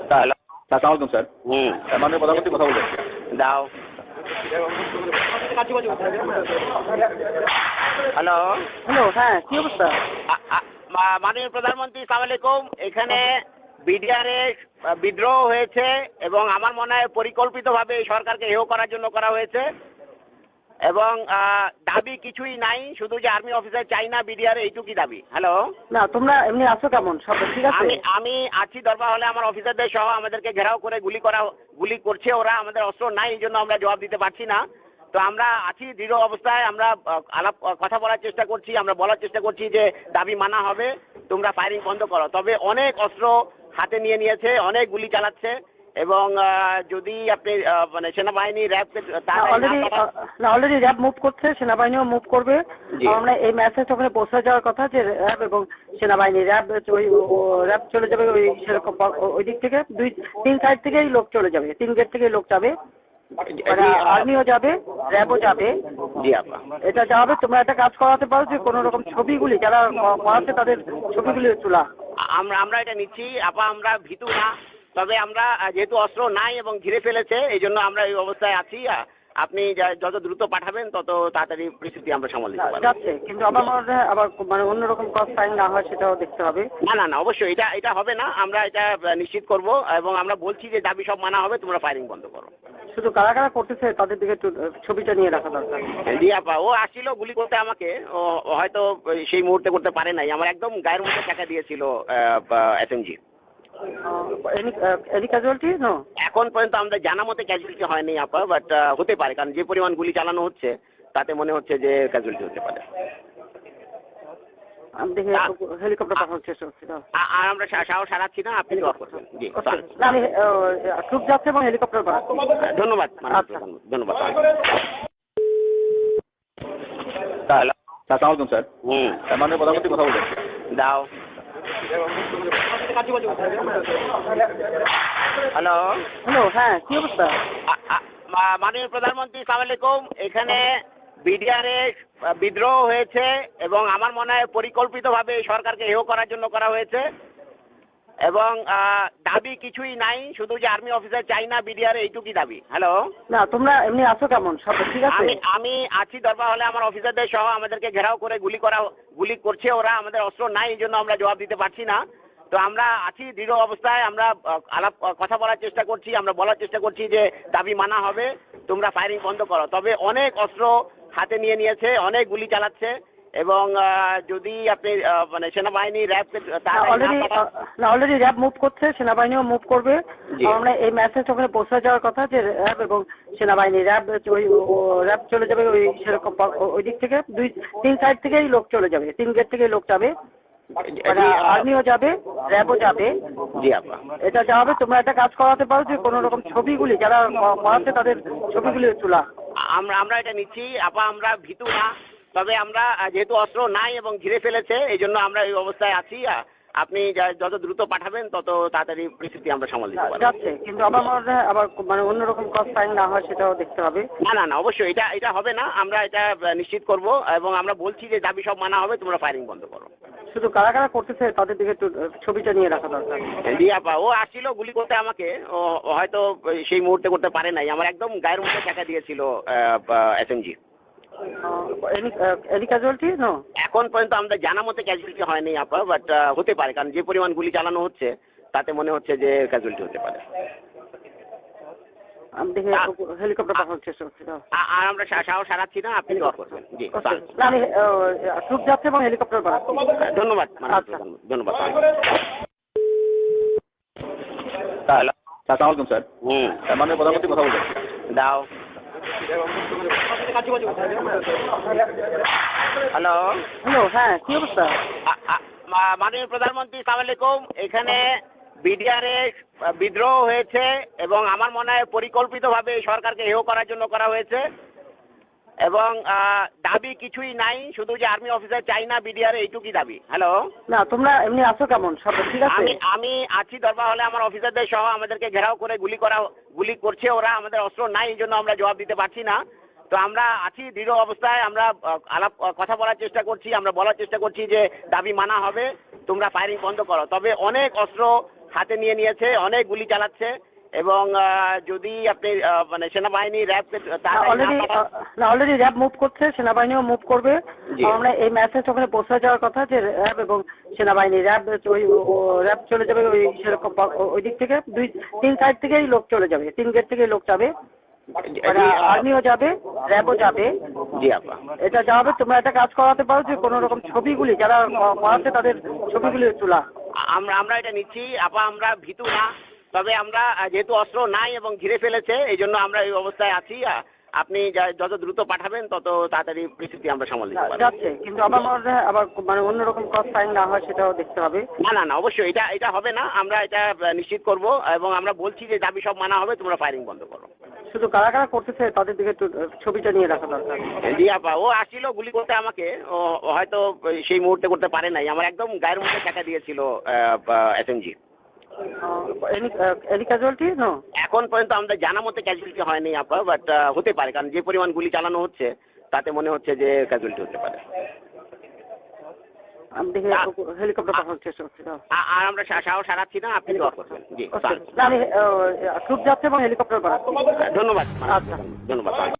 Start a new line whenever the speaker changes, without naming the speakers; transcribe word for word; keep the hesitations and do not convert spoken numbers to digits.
Hello.
আসসালামু আলাইকুম sir.
হুম।
মাননীয় প্রধানমন্ত্রী কথা বলবেন।
দাও। হ্যালো।
হ্যালো, হ্যাঁ কি অবস্থা?
আ- আ- মা- মাননীয় প্রধানমন্ত্রী সালাম আলাইকুম। এখানে বিডিআরে বিদ্রোহ হয়েছে এবং আমার মনে হয় পরিকল্পিতভাবে এই সরকারকে হেয় করার জন্য করা হয়েছে এবং আহ, দাবি কিছুই নাই, শুধু যে আর্মি অফিসার চাই না বিডিআর, এইটুকুই দাবি। হ্যালো।
না তোমরা এমনি আছো কেমন? সব ঠিক আছে?
আমি আমি আছি দরবার হলে, আমার অফিসারদের সহ আমাদেরকে ঘেরাও করে গুলি করা গুলি করছে ওরা। আমাদের অস্ত্র নাই, এই জন্য আমরা জবাব দিতে পারছি না। তো আমরা আছি দৃঢ় অবস্থায়, আমরা আহ, আলাপ কথা বলার চেষ্টা করছি, আমরা বলার চেষ্টা করছি যে দাবি মানা হবে, তোমরা ফায়ারিং বন্ধ করো। তবে অনেক অস্ত্র হাতে নিয়ে নিয়েছে, অনেক গুলি চালাচ্ছে এবং আহ, যদি আপনি আহ, মানে সেনাবাহিনী র্যাবকে
অলরেডি না অলরেডি র্যাব মুভ করছে, সেনাবাহিনীও মুভ করবে।
জি।
আমরা এই মেসেজ ওখানে পৌঁছে যাওয়ার কথা যে র্যাব এবং সেনাবাহিনী র্যাব ওই র্যাব চলে যাবে ওই সেরকম ওই দিক থেকে, দুই তিন সাইড থেকেই লোক চলে যাবে, তিন গেট থেকেই লোক যাবে, মানে আর্মিও যাবে, র্যাবও যাবে।
জি আপা।
এটা যাবে। তোমরা একটা কাজ করাতে পারো যে কোনো রকম ছবিগুলি যারা করাচ্ছে তাদের ছবিগুলি তোলা।
আমরা আমরা এটা নিচ্ছি আপা, আমরা ভীতু না। তবে আমরা আহ, যেহেতু অস্ত্র নাই এবং ঘিরে ফেলেছে, এই জন্য আমরা এই অবস্থায় আছি। আহ, আপনি যা- যত দ্রুত পাঠাবেন তত তাড়াতাড়ি পরিস্থিতি আমরা সামাল দিতে পারবো।
যাচ্ছে, কিন্তু আমার মনে হয় আবার মানে অন্যরকম কস্ট ফাইন না হয় সেটাও দেখতে হবে।
না না না, অবশ্যই এটা এটা হবে না, আমরা এটা আহ, নিশ্চিত করব এবং আমরা বলছি যে দাবি সব মানা হবে, তোমরা ফায়ারিং বন্ধ করো।
শুধু কারা কারা করতেছে তাদের দিকে একটু ছবিটা নিয়ে রাখা দরকার।
জি আপা, ও আসছিল গুলি করতে আমাকে, ও ও হয়তো সেই মুহূর্তে করতে পারে নাই, আমার একদম গায়ের মধ্যে টাকা দিয়েছিল এসএমজি।
Any casualty no?
এখন পর্যন্ত আমাদের জানা মতে ক্যাজুয়ালিটি হয়নি আপা, বাট হতে পারে, কারণ যে পরিমাণ গুলি চালানো হচ্ছে তাতে মনে হচ্ছে যে ক্যাজুয়ালিটি হতে পারে।
আমি দেখি হেলিকপ্টার পাঠানোর চেষ্টা করছি।
আ- আর আমরা সা- সাহস হারাচ্ছি না, আপনি দোয়া করবেন। জি স্যার।
না আমি ট্রুপ যাচ্ছে এবং হেলিকপ্টার পাঠাচ্ছি।
ধন্যবাদ মাননীয়
আচ্ছা।
প্রধানমন্ত্রী, ধন্যবাদ।
হ্যালো। আসসালামু আলাইকুম স্যার।
হুম।
মাননীয় প্রধানমন্ত্রী কথা বলবেন।
দাও। হ্যালো।
হ্যালো, হ্যাঁ কি অবস্থা?
আ- আ- মা- মাননীয় প্রধানমন্ত্রী সালাম আলাইকুম। এখানে বিডিআরে বিদ্রোহ হয়েছে এবং আমার মনে হয় পরিকল্পিতভাবে এই সরকারকে হেয় করার জন্য করা হয়েছে এবং আহ, দাবি কিছুই নাই, শুধু যে আর্মি অফিসার চাই না বিডিআর, এইটুকুই দাবি। হ্যালো।
না তোমরা এমনি আছো কেমন? সব ঠিক আছে?
আমি আমি আছি দরবার হলে, আমার অফিসারদের সহ আমাদেরকে ঘেরাও করে গুলি করা গুলি করছে ওরা। আমাদের অস্ত্র নাই, এই জন্য আমরা জবাব দিতে পারছি না। তো আমরা আছি দৃঢ় অবস্থায়, আমরা আহ, আলাপ কথা বলার চেষ্টা করছি, আমরা বলার চেষ্টা করছি যে দাবি মানা হবে, তোমরা ফায়ারিং বন্ধ করো। তবে অনেক অস্ত্র হাতে নিয়ে নিয়েছে, অনেক গুলি চালাচ্ছে এবং আহ, যদি আপনি আহ, মানে সেনাবাহিনী র্যাবকে
অলরেডি না অলরেডি র্যাব মুভ করছে, সেনাবাহিনীও মুভ করবে।
জি।
আমরা এই মেসেজ ওখানে পৌঁছে যাওয়ার কথা যে র্যাব এবং সেনাবাহিনী র্যাব ওই র্যাব চলে যাবে ওই সেরকম ওই দিক থেকে, দুই তিন সাইড থেকেই লোক চলে যাবে, তিন গেট থেকেই লোক যাবে, মানে আর্মিও যাবে, র্যাবও যাবে।
জি আপা।
এটা যাবে। তোমরা একটা কাজ করাতে পারো যে কোনো রকম ছবিগুলি যারা করাচ্ছে তাদের ছবিগুলি তোলা।
আমরা আমরা এটা নিচ্ছি আপা, আমরা ভীতু না। তবে আমরা আহ, যেহেতু অস্ত্র নাই এবং ঘিরে ফেলেছে, এই জন্য আমরা এই অবস্থায় আছি। আহ, আপনি যা- যত দ্রুত পাঠাবেন তত তাড়াতাড়ি পরিস্থিতি আমরা সামাল দিতে পারবো।
যাচ্ছে, কিন্তু আমার মনে হয় আবার মানে অন্যরকম কস্ট ফাইন না হয় সেটাও দেখতে হবে।
না না না, অবশ্যই এটা এটা হবে না, আমরা এটা আহ, নিশ্চিত করব এবং আমরা বলছি যে দাবি সব মানা হবে, তোমরা ফায়ারিং বন্ধ করো।
শুধু কারা কারা করতেছে তাদের দিকে একটু ছবিটা নিয়ে রাখা দরকার।
জি আপা, ও আসছিল গুলি করতে আমাকে, ও ও হয়তো সেই মুহূর্তে করতে পারে নাই, আমার একদম গায়ের মধ্যে টাকা দিয়েছিল এসএমজি।
Any casualty no?
এখন পর্যন্ত আমাদের জানা মতে ক্যাজুয়ালিটি হয়নি আপা, বাট হতে পারে, কারণ যে পরিমাণ গুলি চালানো হচ্ছে তাতে মনে হচ্ছে যে ক্যাজুয়ালিটি হতে পারে।
আমি দেখি হেলিকপ্টার পাঠানোর চেষ্টা করছি।
আ- আর আমরা সা- সাহস হারাচ্ছি না, আপনি দোয়া করবেন। জি স্যার।
না আমি ট্রুপ যাচ্ছে এবং হেলিকপ্টার পাঠাচ্ছি।
ধন্যবাদ মাননীয়
আচ্ছা।
প্রধানমন্ত্রী, ধন্যবাদ।
হ্যালো। আসসালামু আলাইকুম স্যার।
হুম।
মাননীয় প্রধানমন্ত্রী কথা বলবেন।
দাও। হ্যালো।
হ্যালো, হ্যাঁ কি অবস্থা?
আ- আ- মা- মাননীয় প্রধানমন্ত্রী সালাম আলাইকুম। এখানে বিডিআরে বিদ্রোহ হয়েছে এবং আমার মনে হয় পরিকল্পিতভাবে এই সরকারকে হেয় করার জন্য করা হয়েছে এবং আহ, দাবি কিছুই নাই, শুধু যে আর্মি অফিসার চাই না বিডিআর, এইটুকুই দাবি। হ্যালো।
না তোমরা এমনি আছো কেমন? সব ঠিক আছে?
আমি আমি আছি দরবার হলে, আমার অফিসারদের সহ আমাদেরকে ঘেরাও করে গুলি করা গুলি করছে ওরা। আমাদের অস্ত্র নাই, এই জন্য আমরা জবাব দিতে পারছি না। তো আমরা আছি দৃঢ় অবস্থায়, আমরা আহ, আলাপ কথা বলার চেষ্টা করছি, আমরা বলার চেষ্টা করছি যে দাবি মানা হবে, তোমরা ফায়ারিং বন্ধ করো। তবে অনেক অস্ত্র হাতে নিয়ে নিয়েছে, অনেক গুলি চালাচ্ছে এবং আহ, যদি আপনি আহ, মানে সেনাবাহিনী র্যাব
অলরেডি না অলরেডি র্যাব মুভ করছে, সেনাবাহিনীও মুভ করবে।
জি।
আমরা এই মেসেজ ওখানে পৌঁছে যাওয়ার কথা যে র্যাব এবং সেনাবাহিনী র্যাব ওই র্যাব চলে যাবে ওই সেরকম ওই দিক থেকে দুই তিন সাইড থেকেই লোক চলে যাবে, তিন গেট থেকেই লোক যাবে, মানে আর্মিও যাবে র্যাবও যাবে।
জি আপা,
এটা যাবে। তোমরা একটা কাজ করাতে পারো যে কোনো রকম ছবিগুলি যারা করাচ্ছে তাদের ছবিগুলি তোলা।
আমরা আমরা এটা নিচ্ছি আপা, আমরা ভীতু না, তবে আমরা আহ, যেহেতু অস্ত্র নাই এবং ঘিরে ফেলেছে এই জন্য আমরা এই অবস্থায় আছি। আহ, আপনি যা- যত দ্রুত পাঠাবেন তত তাড়াতাড়ি পরিস্থিতি আমরা সামাল দিতে পারবো।
যাচ্ছে, কিন্তু আবার মনে হয় আবার মানে অন্যরকম ক্রস ফায়ারিং না হয় সেটাও দেখতে হবে।
না না না অবশ্যই এটা এটা হবে না, আমরা এটা আহ, নিশ্চিত করব এবং আমরা বলছি যে দাবি সব মানা হবে, তোমরা ফায়ারিং বন্ধ করো।
শুধু কারা কারা করতেছে তাদের দিকে একটু ছবিটা নিয়ে রাখা দরকার।
জি আপা, ও আসছিল গুলি করতে আমাকে, ও ও হয়তো সেই মুহূর্তে করতে পারে নাই, আমার একদম গায়ের মধ্যে টাকা দিয়েছিল এসএমজি।
এনি ক্যাজুয়ালিটি নো
এখন পর্যন্ত আমাদের জানা মতে ক্যাজুয়ালিটি হয়নি আপা, বাট হতে পারে, কারণ যে পরিমাণ গুলি চালানো হচ্ছে তাতে মনে হচ্ছে যে ক্যাজুয়ালিটি হতে পারে।
আমি দেখি হেলিকপ্টার পাঠানোর চেষ্টা করছি।
আ- আর আমরা সা- সাহস হারাচ্ছি না, আপনি দোয়া করবেন। জি
আমি ট্রুপ যাচ্ছে এবং হেলিকপ্টার পাঠাচ্ছি।
ধন্যবাদ,
আচ্ছা।
ধন্যবাদ।